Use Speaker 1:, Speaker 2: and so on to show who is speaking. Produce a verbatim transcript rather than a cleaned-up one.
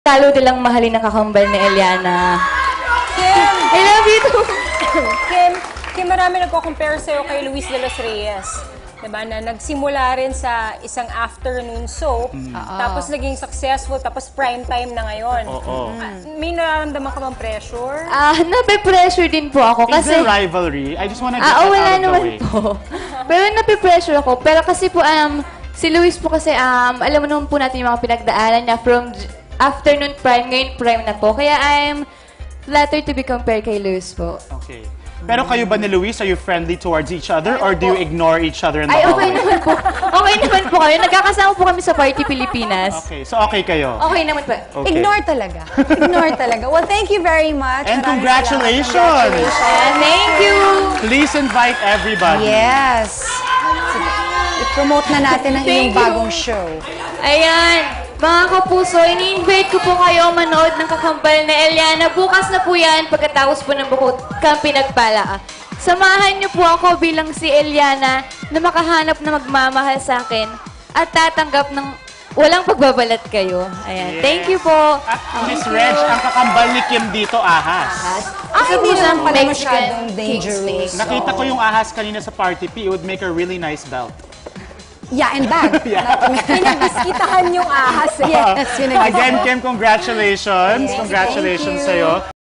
Speaker 1: Talo nilang mahalin ang kakambal ni Eliana.
Speaker 2: Kim!
Speaker 1: I love you too!
Speaker 2: Kim, Kim, marami nagko-compare sa'yo kay Luis de los Reyes. Diba, na nagsimula rin sa isang afternoon soap,
Speaker 3: Mm.
Speaker 2: tapos naging successful, tapos prime time na ngayon.
Speaker 3: Oo.
Speaker 2: Ah, may nararamdaman ka bang pressure?
Speaker 1: Ah, nape-pressure din po ako
Speaker 3: Is
Speaker 1: kasi...
Speaker 3: there rivalry? I just wanna get
Speaker 1: Ah,
Speaker 3: that
Speaker 1: oh, wala
Speaker 3: out of the
Speaker 1: naman
Speaker 3: way.
Speaker 1: po. Pero nape-pressure ako. Pero kasi po, um, si Luis po kasi, um, alam mo naman po natin yung mga pinagdaanan niya from j- afternoon prime, ngayon prime na po. Kaya I'm flattered to be compared kay Luis po.
Speaker 3: Okay. Pero kayo ba ni Luis, are you friendly towards each other or do you ignore each other in the
Speaker 1: Ay, okay
Speaker 3: hallway?
Speaker 1: naman po. Okay naman po kayo. Nagkakasama po kami sa Party Pilipinas.
Speaker 3: Okay, so okay kayo.
Speaker 1: Okay naman po.
Speaker 3: Okay.
Speaker 2: Ignore talaga. Ignore talaga. Well, thank you very much.
Speaker 3: And
Speaker 2: Maraming
Speaker 3: congratulations!
Speaker 2: salamat. Congratulations.
Speaker 1: Ayan, thank you!
Speaker 3: Please invite everybody.
Speaker 4: Yes. I-promote na natin ang iyong
Speaker 1: Thank you.
Speaker 4: bagong show.
Speaker 1: Ayan, mga kapuso, ini-invite ko po kayo manood ng kakambal na Eliana. Bukas na po yan, pagkatapos po ng bukod kang pinagpala. Samahan niyo po ako bilang si Eliana na makahanap na magmamahal sa akin at tatanggap ng walang pagbabalat kayo. Ayan,
Speaker 3: Yes.
Speaker 1: thank you po.
Speaker 3: At Miss Reg, ang kakambal ni Kim dito, ahas.
Speaker 4: Ah, hindi
Speaker 1: po
Speaker 4: naman pala
Speaker 1: Mexican
Speaker 4: masyadong
Speaker 1: king
Speaker 4: dangerous.
Speaker 1: snake.
Speaker 3: Nakita ko yung ahas kanina sa party P, it would make a really nice belt.
Speaker 4: Yeah, and bag.
Speaker 2: Pinagbiskitahan yung ahas. Eh.
Speaker 4: Yes, yun ang-
Speaker 3: Again, Kim, congratulations. Congratulations
Speaker 4: Thank you.
Speaker 3: sa'yo.